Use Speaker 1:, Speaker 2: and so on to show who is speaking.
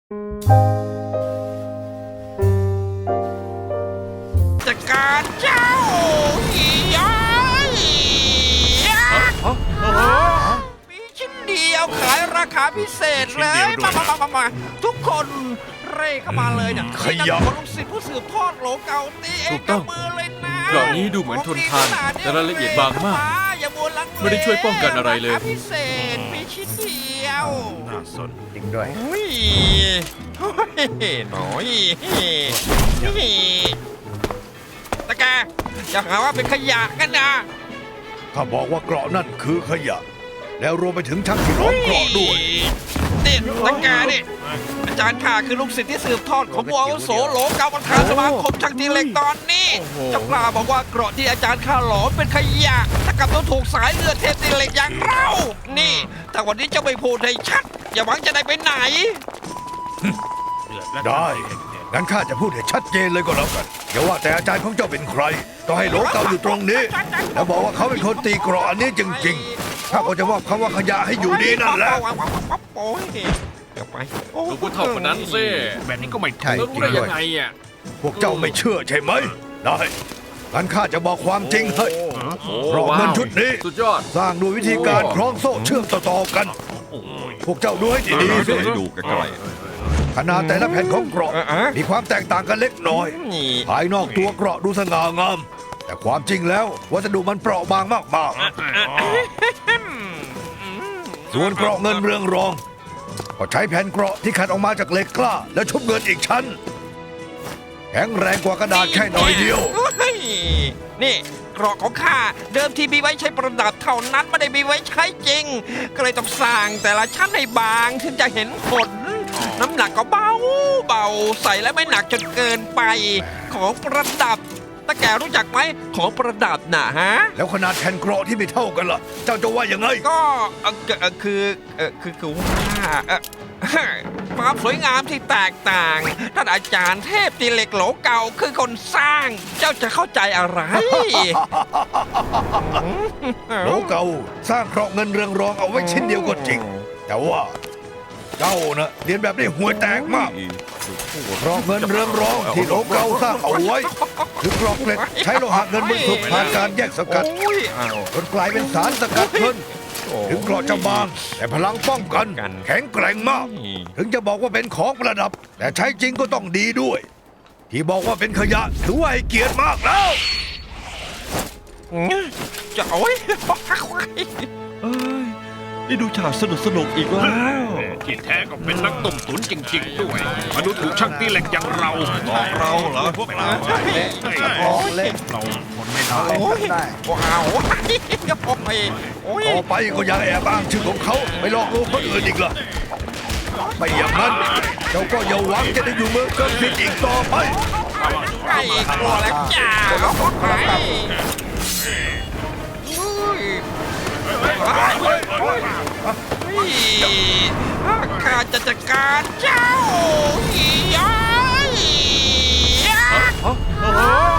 Speaker 1: จัดการเจ้าย้ายมีชิ้นเดียวขายราคาพิเศษเลยมาทุกคนเร่เข้ามาเลยเนี่ย
Speaker 2: ขยะ
Speaker 1: คนลูกศิษย์ผู้สืบทอดโหลเก่าตีเองกับมือเลยนะ
Speaker 3: กล่องนี้ดูเหมือนทนทานแต่รายละเอียดบางมาก
Speaker 1: อย่ามัวลังเล
Speaker 3: ไม่ได้ช่วยป้องกันอะไรเลย
Speaker 1: าคาพิเศษมีชิ้นเดียว
Speaker 2: น่าสนจริงด้วย
Speaker 1: โอ้ยหน่อยตะแกอย่าหาว่าเป็นขยะกันนะ
Speaker 2: ถ้าบอกว่าเกราะนั่นคือขยะ แล้วรวมไปถึงช่างที่ล้อมเกราะด้วย
Speaker 1: นี่ตะแกนี่อาจารย์ข้าคือลูกศิษย์ที่สืบทอดของผู้อาวุโสโหลเก่าประธานสมาคมช่างตีเหล็กตอนนี้เจ้ากล้าบอกว่าเกราะที่อาจารย์ข้าหลอมเป็นขยะถ้ากับต้องถูกสายเลือดเทพตีเหล็กอย่างเรานี่แต่วันนี้จะไม่พูดให้ชัดอย่าหวังจะได้ไปไหน
Speaker 2: ได้ งั้นข้าจะพูดให้ชัดเจนเลยก็แล้วกันอย่าว่าแต่อาจารย์ของเจ้าเป็นใครต้องให้โหลเก่าอยู่ตรงนี้ แล้วบอกว่าเขาเป็นคนตีเกราะอันนี้จริงๆข้าก็จะมอบคำว่าขยะให้อยู่ดีนั่นแหละ
Speaker 1: โอ้ยเดี๋ยวไป
Speaker 3: ดูผู้เฒ่าคนนั้นสิ
Speaker 4: แบบนี้ก็ไม่
Speaker 2: ใช่
Speaker 4: ถูก
Speaker 3: แล้วรู้ได้ยังไงอ่ะ
Speaker 2: พวกเจ้าไม่เชื่อใช่ไหม ได้ งั้นข้าจะบอกความจริงให้เกราะเงินชุดนี้
Speaker 3: สุดยอด
Speaker 2: สร้างด้วยวิธีการคล้องโซ่เชื่อมต่อๆกัน พวกเจ้าดูให้ดีๆสิ
Speaker 4: ดูใกล้
Speaker 2: ขนาดแต่ละแผ่นของเกราะมีความแตกต่างกันเล็กน้อย
Speaker 1: นี่
Speaker 2: ภายนอกตัวเกราะดูสง่างาม แต่ความจริงแล้ววัสดุมันเปราะบางมากๆ ส่วนเกราะเงินเรืองรอง ก็ใช้แผ่นเกราะที่ขัดออกมาจากเหล็กกล้า แล้วชุบเงินอีกชั้น แข็งแรงกว่ากระดาษแค่น้อยเดียว
Speaker 1: นี่เกราะของข้าเดิมทีมีไว้ใช้ประดับเท่านั้นไม่ได้มีไว้ใช้จริง ก็เลยต้องสร้างแต่ละชั้นให้บางถึงจะเห็นผล น้ำหนักก็เบาใส่แล้วไม่หนักจนเกินไป ของประดับตาแกรู้จักไหมของประดับน่ะฮะ
Speaker 2: แล้วขนาดแผ่นเกราะที่ไม่เท่ากันล่ะ เจ้าจะว่ายังไง
Speaker 1: ก็คือว่าความสวยงามที่แตกต่างท่านอาจารย์เทพตีเหล็กโหลเก่าคือคนสร้าง เจ้าจะเข้าใจอะไร
Speaker 2: โหลเก่าสร้างเกราะเงินเรืองรองเอาไว้ชิ้นเดียวก็จริง แต่ว่าเจ้านะเรียนแบบได้ห่วยแตกมากเกราะเงินเรืองรองที่โหลเก่าสร้างเอาไว้คือเกราะเหล็กใช้โลหะเงินบริสุทธิ์ผ่านการแยกสกัด
Speaker 1: โอ้ยอ้าว
Speaker 2: จนกลายเป็นสารสกัดเงินถึงเกราะจะบางแต่พลังป้องกัน แข็งแกร่งมาก ถึงจะบอกว่าเป็นของประดับ แต่ใช้จริงก็ต้องดีด้วย ที่บอกว่าเป็นขยะถือว่าให้เกียรติมากแล้ว
Speaker 1: จะโอ้ย
Speaker 4: ได้ดูฉากสนุกอีกแล้วที่แท้ก็เป็นนักต้มตุ๋นจริงๆด้วยมาดูถูกช่างตีเหล็กอย่างเราเราเหรอพวกเรา
Speaker 2: เล่น
Speaker 4: เราทนไม่ได้
Speaker 1: โอ้ยว้าวโอ้ย
Speaker 2: ต่อไปก็อย่าแอบอ้างชื่อของเขาไปหลอกลวงคนอื่นอีกล่ะไม่อย่างนั้นเจ้าก็อย่าหวังจะได้อยู่เมืองเกินผิดอีกต่อไป
Speaker 1: ไอ้กลัวแล้วจ้าข้าจะจัดการเจ้าย้าย